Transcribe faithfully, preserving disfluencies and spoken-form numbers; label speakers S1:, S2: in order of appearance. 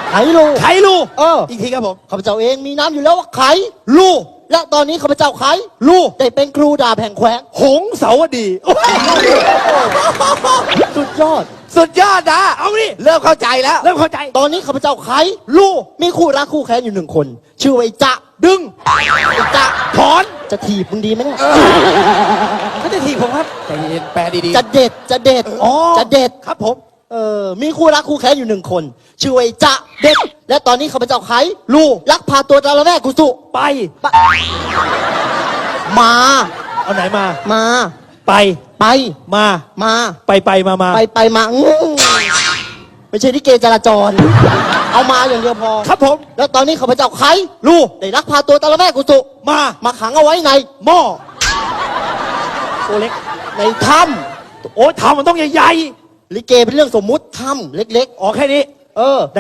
S1: ไขลู
S2: ไขลู
S1: เออ
S2: อีกทีครับผม
S1: ข้าพเจ้าเองมีน้ำอยู่แล้วว่าไข
S2: ลู
S1: และตอนนี้ข้าพเจ้าไข
S2: ลู
S1: ได้เป็นครูดาบแห่งแขวง
S2: หงสาวดีโอ้ย
S1: สุดยอด
S2: สุดยอดนะเอาดิเริ่มเข้าใจแล้ว เริ่มเข้าใจ
S1: ตอนนี้ข้าพเจ้าไข
S2: ลู
S1: มีคู่รักคู่แค้นอยู่หนึ่งคน ชื่อว่าไอ้จะ
S2: ดึง
S1: ไอ้จะ
S2: ถอน
S1: จะถีบมึงดีไหมเนี่ย
S2: เขาจะทีผมครับใจเย็นแปลดี
S1: จะเด็ดจะเด็ด
S2: ๆอ๋อ
S1: จะเด็ด
S2: ครับผม
S1: เออมีคู่รักคู่แค้นอยู่หนึ่งคน ชื่อว่าไอ้จะเด็ด และตอนนี้ข้าพเจ้าไข
S2: ลู
S1: ลักพาตัวจาระแม่กุสุ
S2: ไป
S1: มา
S2: เอาไหนมา
S1: มา
S2: ไป
S1: ไป
S2: มา
S1: มา
S2: ไปไปมามา
S1: ไปไปมาอื้อไม่ใช่ที่เกจราจร เอามาอย่างเดียวพอ
S2: ครับผม
S1: แล้วตอนนี้ข้าพเจ้าไข
S2: ลู
S1: ได้ลักพาตัวจาระแม่กุสุ
S2: มา
S1: มาขังเอาไว้ใน
S2: หม้อ
S1: ตัวเล็ก ในถ้
S2: โอ้ยทำมันต้องใหญ่
S1: ำลิเกเป็นเรื่องสมมุติถ้ำเล็ก
S2: ๆอ๋อแค่นี้
S1: ๆ เออ